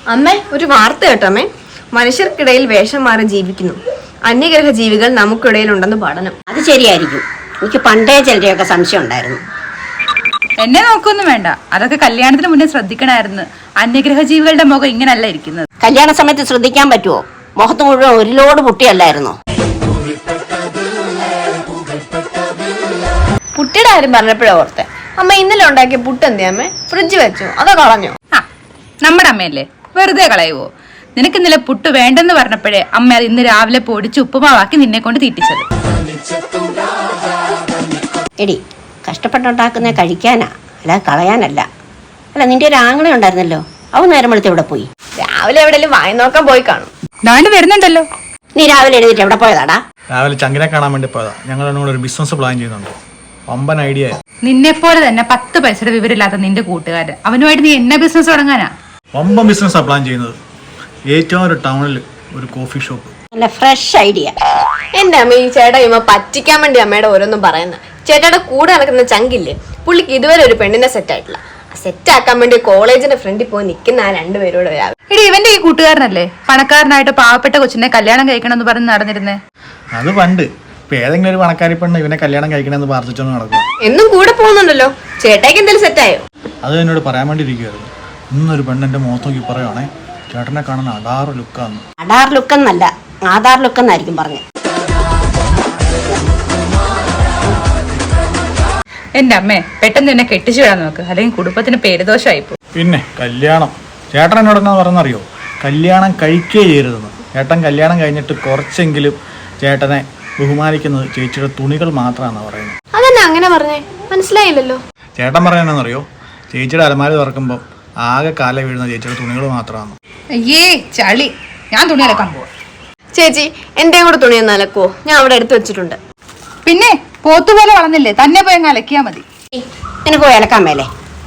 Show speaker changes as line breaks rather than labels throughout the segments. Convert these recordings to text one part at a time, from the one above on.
അമ്മേ, ഒരു വാർത്ത കേട്ടോ അമ്മേ. മനുഷ്യർക്കിടയിൽ വേഷം മാറി ജീവിക്കുന്നു. അന്യഗ്രഹ ജീവികൾ നമുക്കിടയിൽ ഉണ്ടെന്ന് പഠനം.
അത് ശരിയായിരിക്കും. എനിക്ക് പണ്ടേ ചിലരെയൊക്കെ സംശയം ഉണ്ടായിരുന്നു.
എന്നെ നോക്കൊന്നും വേണ്ട, അതൊക്കെ കല്യാണത്തിന് മുന്നേ ശ്രദ്ധിക്കണമായിരുന്നു. അന്യഗ്രഹ ജീവികളുടെ മുഖം ഇങ്ങനല്ല ഇരിക്കുന്നത്.
കല്യാണ സമയത്ത് ശ്രദ്ധിക്കാൻ പറ്റുമോ? മുഖത്ത് മുഴുവൻ ഒരു ലോഡ് പുട്ടിയല്ലായിരുന്നോ?
പുട്ടിയുടെ കാര്യം പറഞ്ഞപ്പോഴേ ഓർത്തെ. അമ്മ ഇന്നലെ ഉണ്ടാക്കിയ പുട്ട് എന്തിയാ അമ്മേ? ഫ്രിഡ്ജ് വെച്ചോ അതോ കളഞ്ഞോ?
നമ്മുടെ അമ്മയല്ലേ, വെറുതെ കളയുവോ? നിനക്ക് ഇന്നലെ പുട്ട് വേണ്ടെന്ന് പറഞ്ഞപ്പോഴേ അമ്മ അത് ഇന്ന് രാവിലെ പൊടിച്ച് ഉപ്പുമാവാക്കി നിന്നെ കൊണ്ട് തീറ്റിച്ചത്.
എടി, കഷ്ടപ്പെട്ടുണ്ടാക്കുന്ന കഴിക്കാനാ, അല്ല കളയാനല്ല. അല്ല, നിന്റെ ഒരു ആങ്ങളെ ഉണ്ടായിരുന്നല്ലോ, അവൻ നേരം വെളുത്ത് എവിടെ പോയി?
രാവിലെ എവിടെയെങ്കിലും വായി നോക്കാൻ പോയി കാണും.
ദാണ്ട് വരുന്നുണ്ടല്ലോ.
നീ രാവിലെ എഴുതിട്ട് എവിടെ പോയതാടാ?
രാവിലെ ചങ്കിനെ കാണാൻ വേണ്ടി പോയതാ. ഞങ്ങൾ എന്നോട് ഒരു ബിസിനസ് പ്ലാൻ ചെയ്യുന്നുണ്ട്. വമ്പൻ ഐഡിയ.
നിന്നെ പോലെ തന്നെ 10 പൈസയുടെ വിവരമില്ലാത്ത നിന്റെ കൂട്ടുകാരൻ, അവനുമായിട്ട് നീ എന്നെ ബിസിനസ് തുടങ്ങാനാ?
വമ്പൻ ബിസിനസ്സാ പ്ലാൻ ചെയ്യുന്നത്. ഏറ്റവും ഒരു ടൗണിൽ ഒരു കോഫി ഷോപ്പ്.
നല്ല ഫ്രഷ് ഐഡിയ.
എന്റെ അമ്മ, ഈ ചേട്ടാ ഇമ്മ പറ്റിക്കാൻ വേണ്ടി അമ്മയുടെ ഓരോന്നും പറയുന്നത്. ചേട്ടായുടെ കൂടെ നടക്കുന്ന ചങ്കില്ലേ, പുള്ളിക്ക് ഇതുവരെ ഒരു പെണ്ണിനെ സെറ്റ് ആയിട്ടില്ല. സെറ്റ് ആക്കാൻ വേണ്ടി കോളേജിന്റെ ഫ്രണ്ടിൽ പോയി നിൽക്കുന്ന ആ രണ്ടുപേരോട് വരാം.
എടി, ഇവന്റെ ഈ കൂട്ടുകാരനല്ലേ പണക്കാരനായിട്ട് പാവപ്പെട്ട കൊച്ചിനെ കല്യാണം കഴിക്കണം എന്ന് പറഞ്ഞ് നടന്നിരുന്നേ?
അത് പണ്ട്. ഇപ്പൊ ഏതെങ്കിലും ഒരു പണക്കാരി പെണ്ണ് ഇവനെ കല്യാണം കഴിക്കണമെന്ന് പ്രാർത്ഥിച്ചോണ്ട് നടക്കും.
എന്നും കൂടെ പോകുന്നുണ്ടല്ലോ. ചേട്ടായിക്ക് എന്തെങ്കിലും സെറ്റായോ?
അത് എന്നോട് പറയാൻ വേണ്ടി ഇരിക്കുവായിരുന്നു. ഇന്നൊരു പെണ്ണ് എന്റെ മുഖത്ത് നോക്കി പറയുവാണേ, ചേട്ടനെ കാണുന്ന അടാറ് ലുക്കാന്ന്.
അടാർ ലുക്കെന്നല്ല, ആധാർ ലുക്കെന്നായിരിക്കും പറഞ്ഞത്.
എന്റെ അമ്മേ, പെട്ടെന്ന് എന്നെ കെട്ടിച്ചു വിടാൻ നോക്ക്, അല്ലെങ്കിൽ കുടുംബത്തിന് പേരുദോഷമായിപ്പോ.
പിന്നെ കല്യാണം, ചേട്ടൻ എന്നോട് എന്നാ പറഞ്ഞറിയോ? കല്യാണം കഴിക്കേ ചെയ്യരുതെന്ന്. ചേട്ടൻ കല്യാണം കഴിഞ്ഞിട്ട് കുറച്ചെങ്കിലും ചേട്ടനെ ബഹുമാനിക്കുന്നത് ചേച്ചിയുടെ തുണികൾ മാത്രമാണെന്നാണ് പറയുന്നത്.
അതെന്നാ അങ്ങനെ പറഞ്ഞേ? മനസ്സിലായില്ലല്ലോ.
ചേട്ടൻ പറയാനെന്നറിയോ? ചേച്ചിയുടെ അലമാര തുറക്കുമ്പോൾ ആകെ കാല വീഴുന്ന ചേച്ചിയുടെ തുണികൾ മാത്രമാണ്.
അയ്യേ ചളി, ഞാൻ തുണി അലക്കാൻ പോവാ.
ചേച്ചി, എന്റെയും കൂടെ തുണിയൊന്ന് അലക്കുവോ? ഞാൻ അവിടെ എടുത്തു വെച്ചിട്ടുണ്ട്.
പിന്നെ പോത്തുപോലെ വളർന്നില്ലേ, തന്നെ പോയി അങ്ങ് അലക്കിയാ മതി.
എനിക്ക് പോയി അലക്കാൻ മേലേ?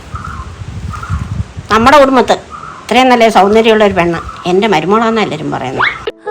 നമ്മുടെ കുടുംബത്ത് ഇത്രയും നല്ല സൗന്ദര്യമുള്ള ഒരു പെണ്ണ് എൻ്റെ മരുമോളാന്ന് എല്ലാവരും പറയുന്നത്.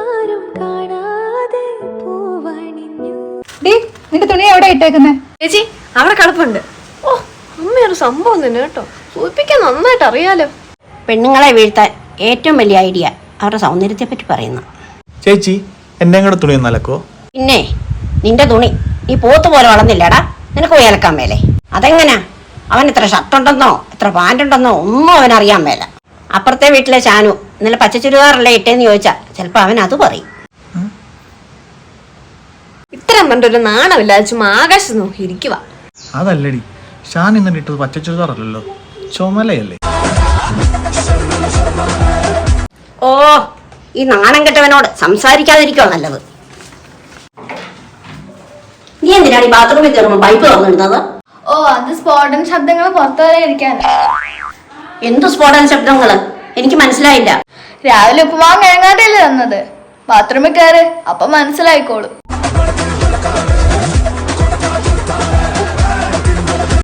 നിന്റെ തുണി എവിടെ ഇട്ടേക്കുന്നേ?
ചേച്ചി, അവിടെ കിടപ്പുണ്ട്. ഓ, അമ്മയൊരു സംഭവം തന്നെ കേട്ടോ. സൂചിപ്പിക്കാൻ നന്നായിട്ട് അറിയാലോ.
പെണ്ണുങ്ങളെ വീഴ്ത്താൻ ഏറ്റവും വലിയ ഐഡിയ അവരുടെ സൗന്ദര്യത്തെ പറ്റി പറയുന്നു.
ചേച്ചി, എൻ്റെയും കൂടെ തുണി ഒന്ന് അലക്കോ?
പിന്നെ നിന്റെ തുണി നീ പോത്ത് പോലെ വളർന്നില്ലടാ, നിനക്ക് പോയി അലക്കാൻ മേലേ? അതെങ്ങനാ? അവൻ എത്ര ഷർട്ടുണ്ടെന്നോ എത്ര പാൻറ്റുണ്ടെന്നോ ഒന്നും അവനറിയാൻ മേല. അപ്പുറത്തെ വീട്ടിലെ ചാനു ഇന്നലെ പച്ച ചുരിദാറല്ലേ ഇട്ടേന്ന് ചോദിച്ചാൽ ചിലപ്പോൾ അവൻ അത് പറയും.
ഇത്രയും പറഞ്ഞൊരു നാണമില്ലാതെ ചുമ്മാ ആകാശം നോക്കി ഇരിക്കുക.
അതല്ലടി, ഷാൻ ഇന്നലെ ഇട്ടത് പച്ച ചുരിദാറല്ലോ, ചുമലയല്ലേ?
ഓ, ഈ നാണം കെട്ടവനോട് സംസാരിക്കാതിരിക്കോ നല്ലത്. നീ എന്തിനാണ് ഈ ബാത്റൂമിൽ കയറുമ്പോൾ പൈപ്പ് തുറന്നിടുന്നത്?
ഓ, അത് സ്ഫോടന ശബ്ദങ്ങൾ പുറത്തു വരാതിരിക്കാൻ.
എന്തു സ്ഫോടന ശബ്ദങ്ങള്? എനിക്ക് മനസ്സിലായില്ല.
രാവിലെ ഉപ്പുമാവ് കിഴങ്ങാട്ടല്ലേ തന്നത്? ബാത്റൂമിൽ കയറ്, അപ്പൊ മനസ്സിലായിക്കോളും.